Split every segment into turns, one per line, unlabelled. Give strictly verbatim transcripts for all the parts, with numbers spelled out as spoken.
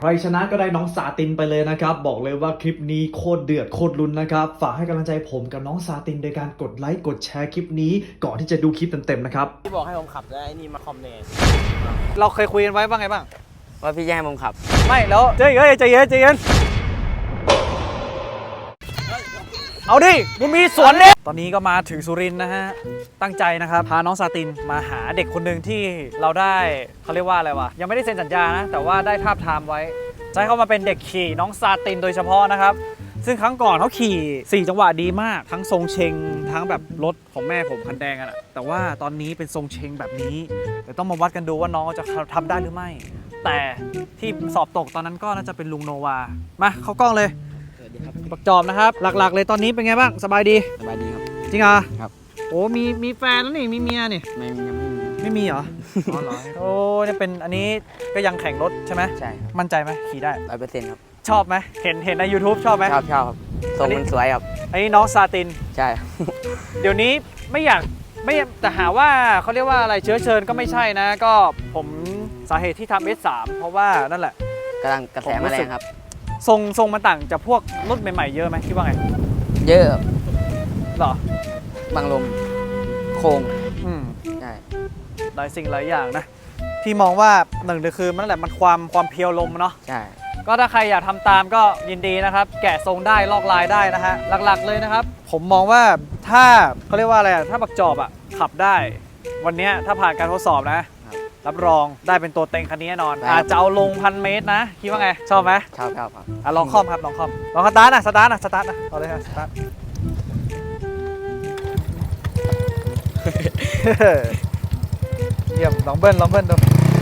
ใครชนะก็ได้น้องซาตินไปเลยนะครับบอกเลยว่าคลิปนี้โคตรเดือดโคตรลุ้นนะครับฝากให้กำลังใจผมกับน้องซาตินโดยการกดไลค์กดแชร์คลิปนี้ก่อนที่จะดูคลิปเต็มๆนะครับ
พี่บอกให้ผมขับแล้วไอ้นี่มาคอมเมนต์
เราเคยคุยกันไว้บ้างไงบ้าง
ว่าพี่จะให้ผมขับ
ไม่แล้วใจเย็นใจเย็นใจเย็นเอาดิมึงมีสวนเนี่ยตอนนี้ก็มาถึงสุรินทร์นะฮะตั้งใจนะครับพาน้องซาตินมาหาเด็กคนหนึ่งที่เราได้เขาเรียกว่าอะไรวะยังไม่ได้เซ็นสัญญานะแต่ว่าได้ทาบทามไว้จะให้เขามาเป็นเด็กขี่น้องซาตินโดยเฉพาะนะครับซึ่งครั้งก่อนเขาขี่สี่จังหวะดีมากทั้งทรงเชงทั้งแบบรถของแม่ผมคันแดงอะแต่ว่าตอนนี้เป็นทรงเชงแบบนี้เดี๋ยวต้องมาวัดกันดูว่าน้องจะทำได้หรือไม่แต่ที่สอบตกตอนนั้นก็น่าจะเป็นลุงโนวามาเข้ากล้องเลยปักจอมนะครับหลักๆเลยตอนนี้เป็นไงบ้างสบายดี
สบายดีครับ
จริงเหรอ
ครับ
โอ้มีมีแฟนแล้วนี่มีเมียนี่
ไม่ยังไม่มี
ไม่มีเหรออ๋อเหรอโอ้เนี่ยเป็นอันนี้ก็ยังแข่งรถใช่ไหม
ใช่
มั่นใจไหมขี่ได้
ร้อยเปอร์เซ็นต์ครับ
ชอบไหมเห็นเห็นใน YouTube ชอบไหม
ชอบชอบครับทรงมันสวยครับ
อันนี้น้องซาติน
ใช่
เดี๋ยวนี้ไม่อยากไม่แต่หาว่าเขาเรียกว่าอะไรเชื้อเชิญก็ไม่ใช่นะก็ผมสาเหตุที่ทำ เอส สาม เพราะว่านั่นแหละ
กำลังกระแสมาแรงครับ
ทรงทรงมันต่างจากพวกรถใหม่ๆเยอะไหมคิดว่าไง
เยอะ
หรอ
บังลมโค้ง
อืม
ใช่
หลายสิ่งหลายอย่างนะพี่มองว่าหนึ่งเลยคือมันแหละมันความความเพียวลมเนาะ
ใช่
ก็ถ้าใครอยากทำตามก็ยินดีนะครับแกะทรงได้ลอกลายได้นะฮะหลักๆเลยนะครับผมมองว่าถ้าเขาเรียกว่าอะไรถ้าบักจอบอ่ะขับได้วันนี้ถ้าผ่านการทดสอบนะรับรองได้เป็นตัวเต็งคันนี้แน่นอนอาจจะเอาลงพันเมตรนะคิดว่าไงชอบไหม
ชอบชอบครับ
อ่ะลองคล่อมครับลองคล่อมลองสตาร์ทนะสตาร์ทนะสตาร์ทนะเอาเลยครับสตาร์ทเยี่ยมลองเบิ้ลลองเบิ้ลดู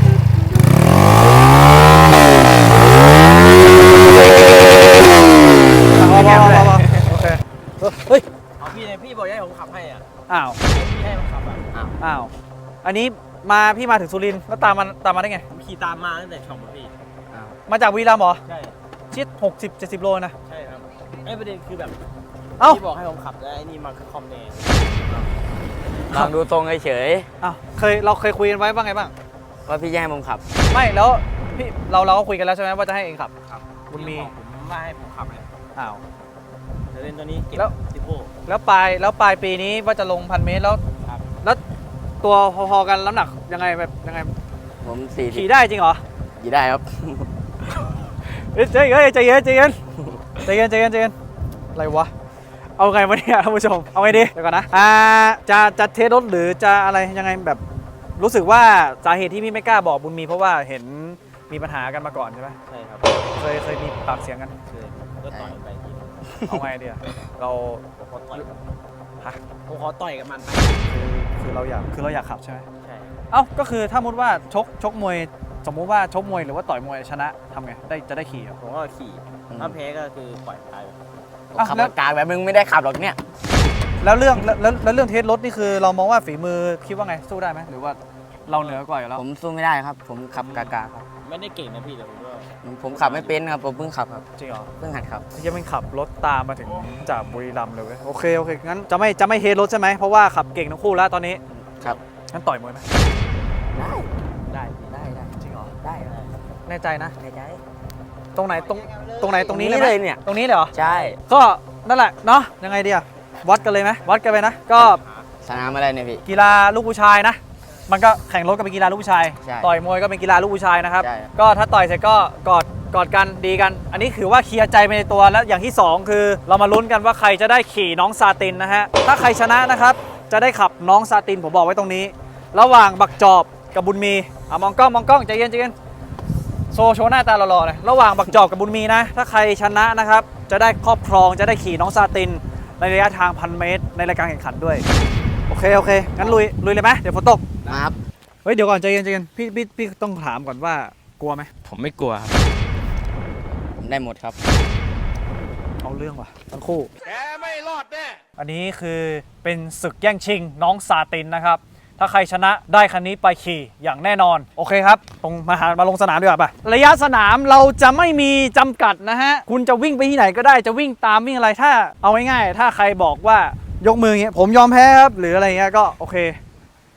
พอพอพอโอเคเฮ้ย
เอาพี่เลยพี่บอกให้ผมขับให้อ่ะ
อ้าว
พี่ให้ผมขับอ่ะอ้าว
อ้าวอันนี้มาพี่มาถึงสุรินทร์แล้วตามมาตามมาได้ไง
ขี่ตามมาตั้งแต่ช่องพี่
มาจากวีรัมย์เหรอ
ใช่
ชิดหกสิบเจ็ดสิบโลนะ
ใช่ครับไอ้ประเด็นคือแบบพี่บอกให้ผมขับแล้วไอ้นี่มาคอมเมนต์ลองดูตรงเฉย
อ้าวเคยเราเคยคุยกันไว้บ้างไงบ้าง
ว่าพี่จะให้ผมขับ
ไม่แล้วพี่เราเราก็คุยกันแล้วใช่ไหมว่าจะให้เองขับ
ครับ
บุญมี
ผมไม่ให้ผมขับเลย
อ้าว
เดี๋ยวเล่นตัวนี้เก็บสิบโล
แล้วปลายแล้วปลายปีนี้ว่าจะลงพันเมตรแล้วแล้วตัวพอๆกันน้ำหนักยังไงแบบยังไง
ผมสี่
ขี่ได้จริงเหรอ
ขี่ได้ครับ
ใจเย็นใจเย็นใจเย็นใจเย็นใจเย็นใจเย็นอะไรวะเอาไงวะเนี่ยท่านผู้ชมเอาไงดีเดี๋ยวก่อนนะอ่าจะจะเทสรถหรือจะอะไรยังไงแบบรู้สึกว่าสาเหตุที่พี่ไม่กล้าบอกบุญมีเพราะว่าเห็นมีปัญหากันมาก่อนใช่ไหม
ใช่ครับ
เคยเคยมีปากเสียงกัน
เคยก็ต่อยไปที
เอาไงดีเรา
ขอต่อย
ฮะ
ผมขอต่อยกับมันไป
คือคือเราอยากคือเราอยากขับใช่ไหม
ใช่
เอ้าก็คือถ้ามุดว่าชกชกมวยสมมุติว่าชกมวยหรือว่าต่อยมวยชนะทำไงได้จะได้ขี่
ผมก็ขี่ถ้าแพ้ก็คือปล่อยตายขับกลางแบบมึงไม่ได้ขับหรอกเนี่ย
แล้วเรื่องแล้วแล้วเรื่องเทสรถนี่คือเรามองว่าฝีมือคิดว่าไงสู้ได้ไหมหรือว่าเราเหนือกว่าอยู่แล้ว
ผมสู้ไม่ได้ครับผมขับกากาครับไม่ได้เก่งนะพี่แต่ผมก็ผมขับไม่เป็นครับผมเพิ่งขับครับ
จริงเหรอ
เพิ่งหัดขับ
ยังไม่ขับรถตามมาถึงจากบุรีรัมย์เลยเว้ยโอเคโอเคงั้นจะไม่จะไม่เทสรถใช่ไหมเพราะว่าขับเก่งทั้งคู่แล้วตอนนี้
ครับ
งั้นต่อยมวยไหม
ได้ได้ได้ได้
จริงเหรอ
ได้
แน่ใจนะ
แน่ใจ
ตรงไหนตรงตรงไหนตรงนี้เลย
เนี่ย
ตรงนี้เลยเหรอ
ใช่
ก็นั่นแหละเนาะยังไงดีอะวัดกันเลยไหมวัดกันไปนะก็
สนามอะไรเนี่ยพี่
กีฬาลูกผู้ชายนะมันก็แข่งรถก็เป็นกีฬาลูกผู้ชายต่อยมวยก็เป็นกีฬาลูกผู้ชายนะครับก็ถ้าต่อยเสร็จก็กอดกอดกันดีกันอันนี้ถือว่าเคลียร์ใจไปในตัวแล้วอย่างที่สองคือเรามาลุ้นกันว่าใครจะได้ขี่น้องซาตินนะฮะถ้าใครชนะนะครับจะได้ขับน้องซาตินผมบอกไว้ตรงนี้ระหว่างบักจอบกับบุญมีอ่ะมองกล้องมองกล้องใจเย็นใจเย็นโชว์โชว์หน้าตาหล่อๆเลยระหว่างบักจอบกับบุญมีนะถ้าใครชนะนะครับจะได้ครอบครองจะได้ขี่น้องซาตินในระยะทางพันเมตรในรายการแข่งขันด้วยโอเคโอเคงั้นลุยลุยเลยไหมเดี๋ยวฝนตก
ครับ
เฮ้ยเดี๋ยวก่อนใจเย็นใจเย็นพี่พี่พี่ต้องถามก่อนว่ากลัวไหม
ผมไม่กลัวครับผมได้หมดครับ
เอาเรื่องว่ะทั้งคู่
แกไม่รอดแน่
อันนี้คือเป็นศึกแย่งชิงน้องซาตินนะครับถ้าใครชนะได้คันนี้ไปขี่อย่างแน่นอนโอเคครับตรงมาหามาลงสนามดีกว่าป่ะระยะสนามเราจะไม่มีจำกัดนะฮะคุณจะวิ่งไปที่ไหนก็ได้จะวิ่งตามวิ่งอะไรถ้าเอาง่ายๆถ้าใครบอกว่ายกมือเงี้ยผมยอมแพ้ครับหรืออะไรเงี้ยก็โอเค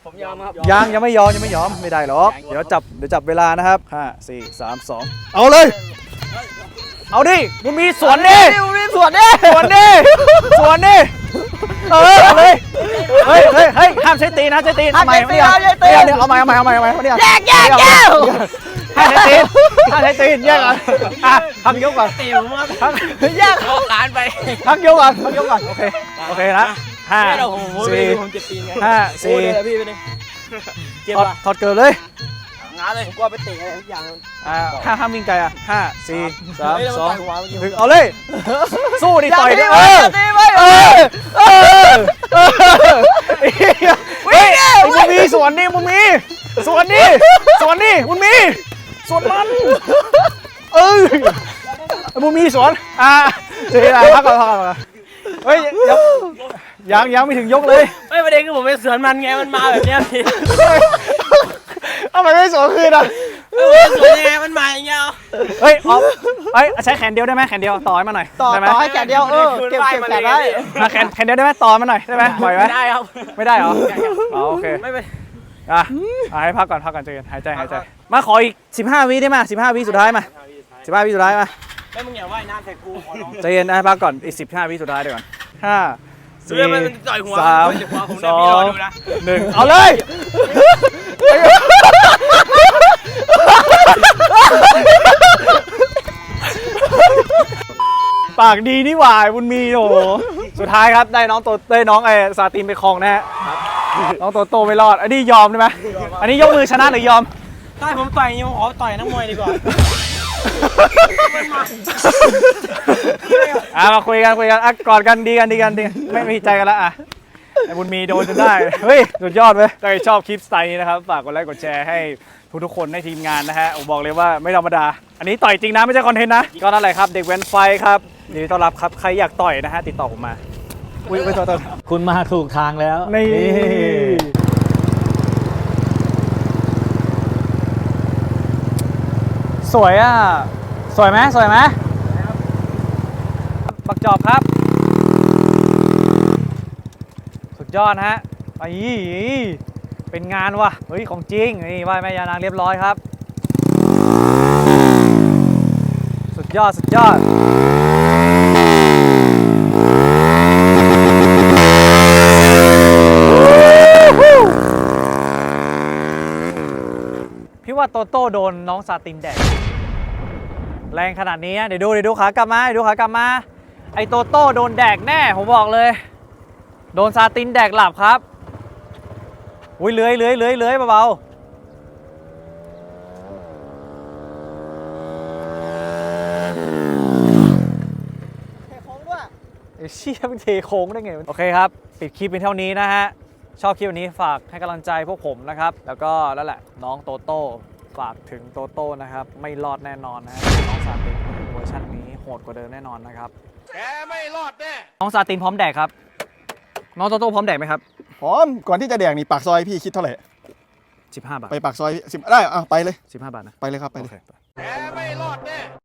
ผมยอมครับ
ยังยังไม่ยอมยังไม่ยอมไม่ได้หรอกเดี๋ยวจับเดี๋ยวจับเวลานะครับห้าสี่สามสองเอาเลย เอาดิมึงมีสวนดิ
มึงมีสวนดิ
สวนดิสวนดิเออเอาเลยเฮ้ยเฮ้ยเฮ้ยห้ามใช้ตีนนะใช้ตีนเอาใหม่ไม่เอาเดี๋ยวเดี๋ยวเอาใหม่เอาใหม่เอาใหม่เอาใหม่เนี่ย
แยกแยกแยก
ห้ามใช้ตีนห้ามใช้ตีนแยกก่อนอ่ะทำยกก่อน
ตีผมครับแยกเข้าร้านไป
พักยกก่อนพักยกก่อนโอเคโอเคนะห้า
ไม่เราผมผม
สี่
ผมเจ็บตีนไง
ห้าสี่
โอ้ยเดี๋ยวพี่ไปดิเจ็บ
ถอด
ป่ะ
ถอดเกิดเลย
งานเลยผมกลัวไปเตะอะไรทุกอย่าง
อ่าห้าห้ามวิ่งไกลอ่ะห้าสี่สาม
เฮ้ยแล้ว
สอง
มันต่อยหัวเมื่อกี้
หนึ่งเอาเลย สู้ดิต่อยดิ
อย่า
เออ
ตีไว้
เอ
อย่าตีไว้
อเออเออเฮ้ยมึงมีสวนนี่มึงมีสวนนี่สวนนี่มึงมีสวนมันเออมึงมีสวนอ่ะเดี๋ยวพักก่อนพักก่อนเฮ้ยยังยังไม่ถึงยกเลย
ไม่ประเด็นคือผมไปสวนมันไงมันมาแบบเนี้ยพี่
ทำไมไม่สวนคืนอ่ะ
สวนยังไงมันมาอย่างเงี้ย
เฮ้ยออฟเฮ้ยใช้แขนเดียวได้ไหมแขนเดียวต่อให้มาหน่อย
ต่อ
ได้ไหม
ต่อให้แกเดียวเออเก็บเก็บแกได้
อ่ะแขนแขนเดียวได้ไหมต่อมาหน่อยได้ไหมไหวไหม
ไม่ได้ครับ
ไม่ได้เหรออ๋อโอเค
ไม่ไป
อ่ะอ่ะให้พักก่อนพักก่อนใจเย็นหายใจหายใจมาขออีกสิบห้าวิได้ไหมสิบห้าวิสุดท้ายมาสิบห้าวิสุดท้ายมา
ไม่มึงอย่าว่ายน้ำใส่กูขอร้อง
ใจเย็นนะให้พักก่อนอีกสิบห้าวิสุดท้ายเดี๋ยวก่อนห้าสี่
เรื่องมันต่อยหัว
สาม
เดี๋ยวผม
ส
เดี๋ยว
อ
พี่รอง ดูนะ
หนึ่งเอาเลยปากดีนี่หว่าบุญมีโอ้โหสุดท้ายครับได้น้องโตได้น้องไอ้ซาตินไปครองนะฮะน้องโตโตไม่รอดอันนี้ยอมได้ไหมอันนี้ยกมือชนะหรือยอม
ถ้าผมต่อยอย่างนี้ผมขอต่อยนักมวยดีกว่า
อ่ะมาคุยกันคุยกันอ่ะกอดกันดีกันดีกันดีกันไม่ไม่ผิดใจกันละอ่ะไอ้บุญมีโดนจนได้เฮ้ยสุดยอดเว้ยถ้าใครชอบคลิปสไตล์นี้นะครับฝากกดไลค์กดแชร์ให้ทุกๆคนในทีมงานนะฮะผมบอกเลยว่าไม่ธรรมดา อันนี้ต่อยจริงนะไม่ใช่คอนเทนต์นะก็นั่นแหละครับเด็กแว้นไฟครับยินดีต้อนรับครับใครอยากต่อยนะฮะติดต่อผมมาอุ้ยอุ้ยต่อต่อ
คุณมาถูกทางแล้ว
นี่สวยอ่ะสวยไหมสวยไหมปักจอบครับ สุดยอดฮะไปเป็นงานว่ะเฮ้ยของจริงนี่ไหว้แม่ยานางเรียบร้อยครับ สุดยอดสุดยอดพี่ว่าโตโต้โดนน้องซาตินแดกแรงขนาดนี้เดี๋ยวดูเดี๋ยวดูขากลับมาเดี๋ยวดูขากลับมาไอโตโต้โดนแดกแน่ผมบอกเลยโดนซาตินแดกหลับครับอุ้ยเลื้อยเลื้อยเลื้อยเลื้อยเบาๆเทโค้งด้วยไอ้เชี่ยมันเทโค้งได้ไงโอเคครับปิดคลิปเป็นเท่านี้นะฮะชอบคลิปวันนี้ฝากให้กำลังใจพวกผมนะครับแล้วก็แล้วแหละน้องโตโต้ฝากถึงโตโต้นะครับไม่รอดแน่นอนนะฮะน้องซาตินเวอร์ชันนี้โหดกว่าเดิมแน่นอนนะครับแกไม่รอดแน่น้องซาตินพร้อมแดกครับน้องโตโต้พร้อมแดกไหมครับ
พร้อมก่อนที่จะแดกนี่ปากซอยพี่คิดเท่าไหร่
สิบห้าบาท
ไปปากซอยสิบได้อ่ะไปเลย
สิบห้าบาทนะ
ไปเลยครับไปเลย
โอเค